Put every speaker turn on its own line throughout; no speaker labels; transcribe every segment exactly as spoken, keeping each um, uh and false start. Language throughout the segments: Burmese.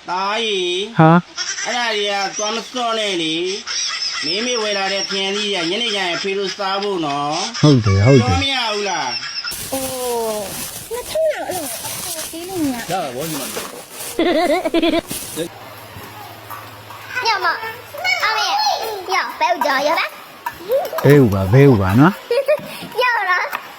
大姨，
哈，
俺那里啊，专门烧来的，妹妹为了这便宜呀，人家也配了三五呢，
好的好
做
的。
咩有啦？
哦，那通常了，我给你呀。
呀，我你们。
要么，阿妹，要白五角，要吧？
ဘဲဥပါဘဲဥပါနော်
要了。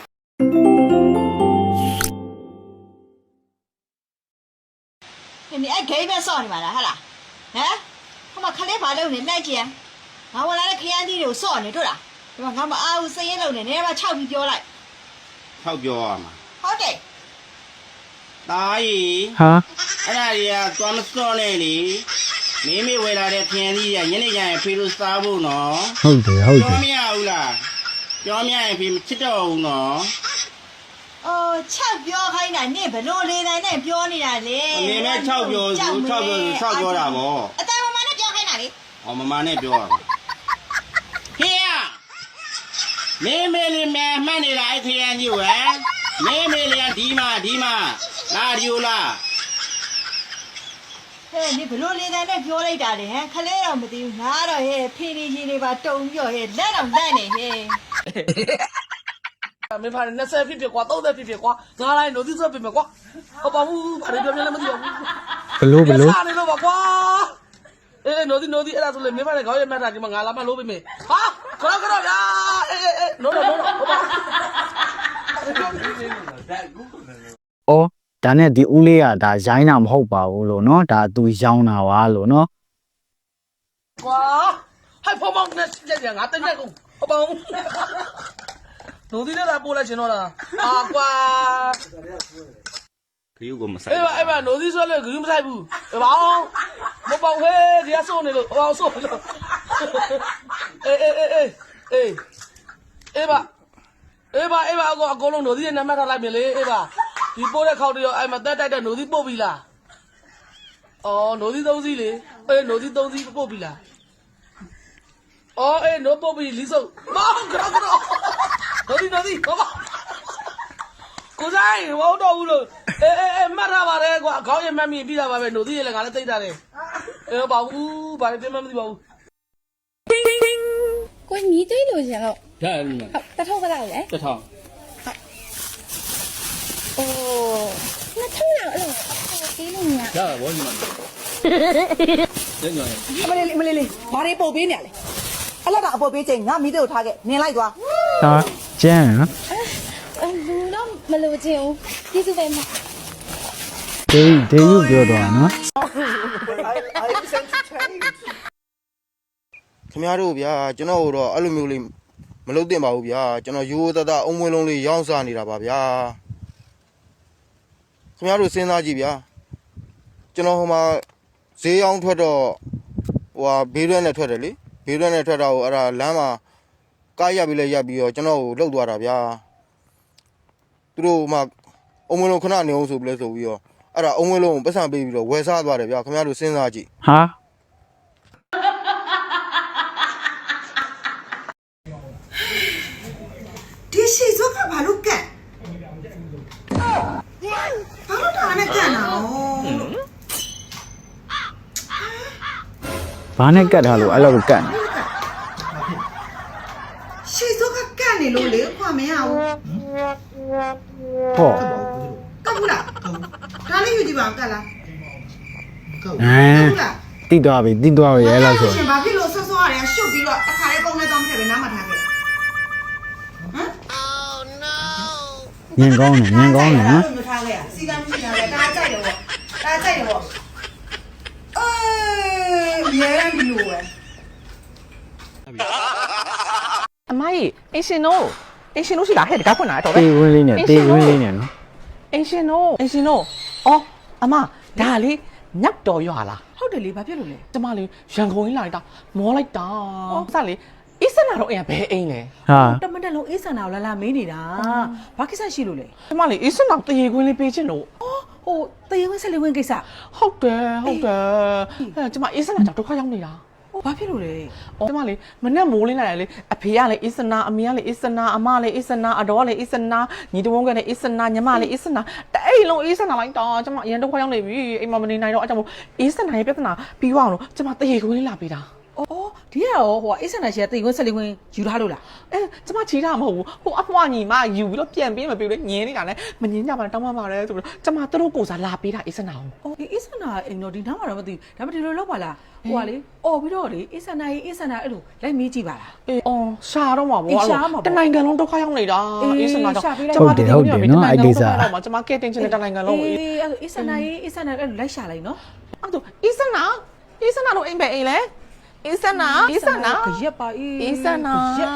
你爱给边烧你嘛啦，哈啦，哎，他妈看来把楼呢来接，俺我来了看地有烧呢，对啦，对吧？俺们阿五生意楼呢，你把炒皮掉来，
钞票啊嘛。
好的，
大姨，
ဟာ
俺那里啊，专门烧来的，妹妹为了这便宜呀，人家也配了三五呢，
ဟုတ်တယ်ဟုတ်တ
做
ယ်
咩有啦？做咩也配七刀呢？
哦，炒表还那你不弄来那那表你那嘞？
你们钞票是钞票是钞票啦不？
啊，但我妈那表还哪里？
我妈妈那表啊。嘿呀，妹妹里面买的来天就哎，妹妹连地嘛地嘛，哪里有啦？
哎，你不弄来那那表来咋的？嘿，看来我们的拿着嘿，便宜些的把中表嘿，烂到烂的嘿。
没怕人家三皮皮瓜，都在皮皮瓜，拿来弄的这皮皮瓜，我把我把那表面那么丢，
ဘလို့ဘလို့
啥的都把瓜，哎，弄的弄的，那时候没法的搞也没啥，就嘛俺老板老板没，啊，可了可了呀，哎哎哎，弄了弄了，我把。
အော်ဒါနဲ့ဒီဦးလေးကဒါရိုင်းတာမဟုတ်ပါဘူးလို့နော်ဒါသူရောင်းတာပါလို့နော်
哇，还泡泡那这这俺等那个泡泡，弄的那来过来去弄了，啊瓜，
有个么事？
哎吧哎吧，弄的说那个有么菜不？哎吧，我包嘿，给他送那个，我送那个，哎哎哎哎哎，哎吧，哎吧哎吧，我我弄弄的那买他来没嘞？哎吧，你包来烤的哟，哎嘛带带带弄的包皮啦。 哦，弄的东西嘞，哎，弄的东西包皮啦。哦，哎，弄包皮里手，妈，可了可了，弄的弄的，好吧。古仔，我好多了，哎哎哎，买他吧嘞，我搞也买米比他吧呗，弄的也来俺来对他嘞。哎，保护，把那边慢慢的保护。
ကိုညီတွေးလို့ရှင်လို့
呀，你们，
တထောက်ကလာလေ
这套。
အိုး那通常了，我给你呀。
呀，我你们。这样。
အမလေးအမလေးလေးဘာတွေပုတ်ပေးနေရလဲအဲ့လောက်တော့အပုတ်ပေးချိန်ငါမိတို့ထားခဲ့နင်လိုက်သွား
ဟာကျန်းနော်
အလူတော့မလို့ချင်းဦးကျေးဇူးပဲမ
ဒေးဒေးယူပြောတော့နော်
ခင်ဗျားတို့ဗျာကျွန်တော်တို့တော့အဲ့လိုမျိုးလေးမလုပ်သင့်ပါဘူးဗျာကျွန်တော်ရိုးရိုးသားသားအုံမွေးလုံးလေးရောင်းစားနေတာပါဗျာခင်ဗျားတို့စဉ်းစားကြည့်ဗျာကျွန်တော်ဟိုမှာဈေးရောင်းထွက်တော့ဟိုဟာဘေးရွက်နဲ့ထွက်တယ်လေဘေးရွက်နဲ့ထွက်တာကိုအဲ့ဒါလမ်းမှာကားရပ်ပြီးလဲရပ်ပြီးတော့ကျွန်တော်ကိုလှုပ်သွားတာဗျာသူတို့မှအုံမွေးလုံးခဏနေအောင်ဆိုပြီးလဲဆိုပြီးတော့အဲ့ဒါအုံမွေးလုံးကိုပတ်စံပေးပြီးတော့ဝယ်စားသွားတယ်ဗျာခင်ဗျားတို့စဉ်းစားကြည့်
ဟာ
ဒီရှိစုကဘာလို့ကတ်ဘာလို့ဒါနဲ့ကတ်နာရော
ဘာနဲ့ကတ်ထားလို့အဲ့လိုကတ်နေ
ရှိစုကကတ်နေလို့လေခွာမရဘူး
ဟော
ကတ်ဘူးလားဒါလေးယူကြည့်ပါဦးကတ်လား
ဟမ်
ဘူးလား
တိသွားပြီတိသွားပြီအဲ့လိုဆို
ရှင်ဘာဖြစ်လို့ဆော့ဆော့ရတယ်ရှုပ်ပြီးတော့တစ်ခါလေးပုံနဲ့တောင်းထည့်ပဲနားမထားခဲ့ဟမ်
ညင်ကောင်းတယ်ညင်ကောင်းတယ်နော်
မထားခဲ့ရစီကံမရှိတာလေဒါကြိုက်တယ်ပေါ့ဒါကြိုက်တယ်ပေါ့အေးရဲရပြီလို့ပဲ
အမကြီးအင်ရှင်တို့အင်ရှင်တို့ရှိလားဟဲ့တကားဖွင့်လာတော့ပဲ
တေးဝင်းလေးနဲ့တေးဝင်းလေးနဲ့နော်
အင်ရှင်တို့အင်ရှင်တို့အော်အမဒါလေးညက်တော်ရွာလား
ဟုတ်တယ်လေဘာဖြစ်လို့လဲ
ကျမလေးရန်ကုန်ကြီးလာလိုက်တာမောလိုက်တာစလေအစ်စနာတော့အိမ်ကဘဲအိမ်လဲ
ဟာ
တမတက်လုံးအေးဆန်တာကိုလာလာမေးနေတာဘာကိစ္စရှိလို့လဲ
ကျမလေးအစ်စနာတရေခွင်းလေးပေးချင်လို့
ဟိုတရေဝင်းဆက်လေးဝင်းကိစ္စ
ဟုတ်တယ်ဟုတ်တယ်အဲကျမအစ်စနာကြောင့်ဒုက္ခရောက်နေတာ
ဟ
ဘာဖြစ်လို့လဲ
အော်ကျမလေးမနဲ့မိုးလင်းလာတယ်လေအဖေကလည်းအစ္စနာအမေကလည်းအစ္စနာအမလည်းအစ္စနာအတော်လည်းအစ္စနာညီတဝန်းကလည်းအစ္စနာညီမလည်းအစ္စနာတဲ့အိမ်လုံးအစ္စနာလိုက်တော့ကျမအရင်တော့ခွာရောက်နေပြီအိမ်မမနေနိုင်တော့အကြောင်းအစ္စနာရဲ့ပြဿနာပြီးသွားအောင်လို့ကျမတရေခွင်းလေးလာပေးတာ
အော်ဒီကရောဟိုအစ်စနာရှယ်တိတ်ခွန်းဆက်လေးခွန်းယူထားလို့လား
အဲကျမချီတာမဟုတ်ဘူးဟိုအဖွားညီမယူပြီးတော့ပြန်ပေးမပေးလို့ညင်းနေတာလဲမညင်းကြပါနဲ့တောင်းပါပါလဲဆိုပြီးတော့ကျမသူတို့ကိုစားလာပေးတာအစ္စနာကို
အော်ဒီအစ်စနာအိမ်တော့ဒီနားမှာတော့မသိဘူးဒါပေမဲ့ဒီလိုလောက်ပါလားဟိုကလေအော်ပြီးတော့လေအစ်စနာကြီးအစ်စနာအဲ့လိုလိုက်မေးကြည့်ပါလား
အေးအော်ရှာတော့မှာပေါ့
အေးရှာမှာပေါ့
တနိုင်ငံလုံးဒုက္ခရောက်နေတာ
အေး
အစ္စနာတော့
ရှာပေးလိုက်
ကျမတည်နေပြီတနိုင်ငံလုံးဒုက္ခ
ဟုတ်တယ်ဟုတ်တယ်နော်အဲ့ကိစ္စ
ရောက်မှာကျမကဲတင်ချင်တဲ့တနိုင်ငံလုံးကို
အေးအဲ့လိုအစ်စနာကြီးအစ်စနာအဲ့လိုလိုက်ရှာလိုက်နော်
အဲ့တော့အစ္စနာအစ္စနာတို့အိမ်ပဲအိမ်လဲအစ္စနာအစ္စနာ
ခရက်ပါအေး
အစ္စနာ
ခရက်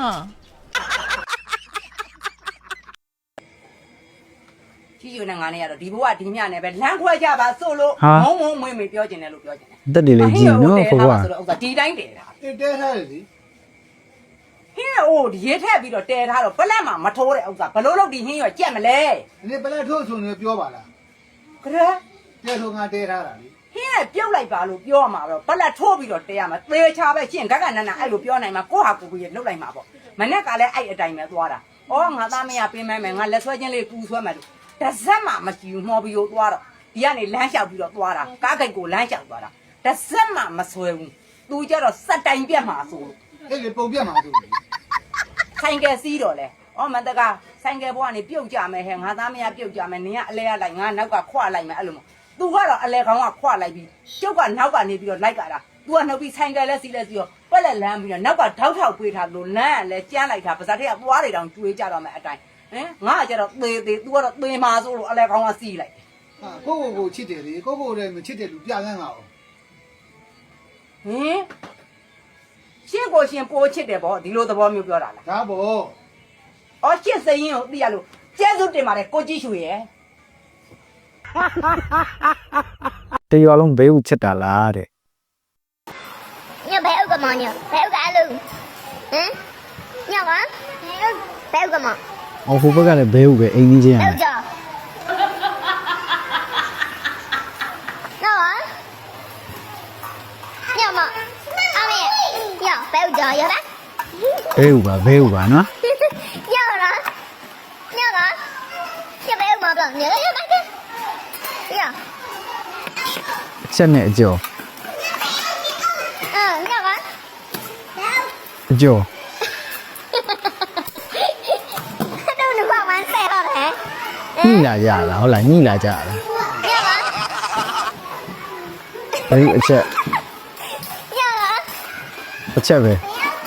ကြီးယူနေငါနဲ့ရတော့ဒီဘဝဒီမြနဲ့ပဲလမ်းခွဲကြပါစို့လို့
ဟာ
မုံမုံမွေးမွေးပြောကျင်တယ်လို့ပြောကျင်တယ်
တက်တယ်လေကြည့်နော်ဖိုးကွာ
ဆိုတော့ဥစ္စာဒီတိုင်းတယ်တာ
တဲတဲထားတယ်လေ
ဟင်းအိုးဒီရဲထက်ပြီးတော့တဲထားတော့ပလက်မှာမထိုးတဲ့ဥစ္စာဘလို့လို့ဒီဟင်းရောကြက်မလဲ
ဒီနေ့ပလက်ထိုးဆိုနေပြောပါလား
ကရဲ
တဲထိုးငါတဲထားတာလေ
ဟင်းနဲ့ပြုတ်လိုက်ပါလို့ပြောမှာတော့ပလက်ထိုးပြီးတော့တဲရမှာသေချာပဲရှင်းဂကနနအဲ့လိုပြောနိုင်မှာကိုဟာကိုကိုရလှုပ်လိုက်မှာပေါ့မနဲ့ကလည်းအဲ့အတိုင်းပဲသွားတာဩငါသားမရပင်းမဲမယ်ငါလက်ဆွဲချင်းလေးကူဆွဲမယ်လို့တစ်စက်မှမကြည့်ဘူးမှော်ပြီးတော့သွားတော့ဒီကနေလမ်းလျှောက်ပြီးတော့သွားတာကားကိတ်ကိုလမ်းလျှောက်သွားတာတစ်စက်မှမဆွဲဘူးသူကြတော့စက်တိုင်ပြက်မှာဆိုလို့
အဲ့ဒီပုံပြတ်မှာဆိုလေ
ဆိုင်ကယ်စီးတော့လေဩမန္တကဆိုင်ကယ်ဘွားကနေပြုတ်ကြမယ်ဟဲ့ငါသားမရပြုတ်ကြမယ်နင်ကအလဲရလိုက်ငါနောက်ကခွလိုက်မယ်အဲ့လိုသူကတော့အလဲခေါင်းကခွလိုက်ပြီးကျုပ်ကနောက်ကနေပြီးတော့လိုက်ကြတာသူကနှုတ်ပြီးဆိုင်ကယ်လဲစီးလဲစီးရောပက်လက်လမ်းပြီးတော့နောက်ကထောက်ထောက်ပေးထားလို့လမ်းကလည်းကျန်းလိုက်တာပါဇက်ထက်ကသွားတွေတောင်ကျွေးကြတော့မယ်အတိုင်းဟင်ငါကကျတော့သေသေးသူကတော့သေမာဆိုလို့အလဲခေါင်းကစီးလိုက်
ဟာကိုကိုကိုချစ်တယ်လေကိုကိုလည်းမချစ်တယ်လူပြကန်းပါအောင်
ဟင်ရှင်းကိုရှင်းပိုးချစ်တယ်ဗောဒီလိုသဘောမျိုးပြောတာလား
ဒါပေါ့
ဩရှင်းစိန်ရင်ကိုသိရလို့ကျဲစုတင်ပါတယ်ကိုကြည့်ရှူရဲ့
တရွာလုံးဘေးဦးချစ်တာလားတဲ့
ညဘဲဥကမောင်ညဘဲဥကအလူဟမ်ညကဘဲဥကမောင်
အော်ဟိုဘက်ကလည်းဘေးဦးပဲအိမ်ကြီးချင်း
ဘဲ
ရ
ဥကြောနော်ညမအမေညဘဲဥကြောရပါ
ဘေးဦးပါဘေးဦးပါနော်
ညလားညလားညဘဲဥမပြောညရပါကဲည
အချက်နဲ့အကျော်
အာညက
အကျော်
တော့လူကဝမ်းဆဲတော့တယ်
ညှိလာကြလားဟုတ်လားညှိလာကြလား
ညက
ဘေးအချက်
ညက
အချက်ပဲ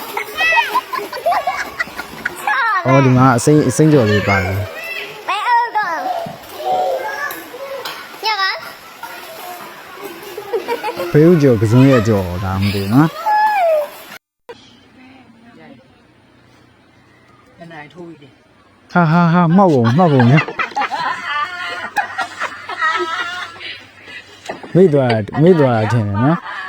အော်ဒီမှာအစိမ့်အစိမ့်ကြော်လေးပါတယ်
ဘဲဥကညက
ဘေးဦးကြော်ကစုံရဲ့ကြော်ဒါမှမသိဘူးနော်
တနိုင်ထိုးပြီးတယ်
ဟာဟာဟာမှောက်ပုံမှောက်ပုံညမိသွားမိသွားထင်တယ်နော်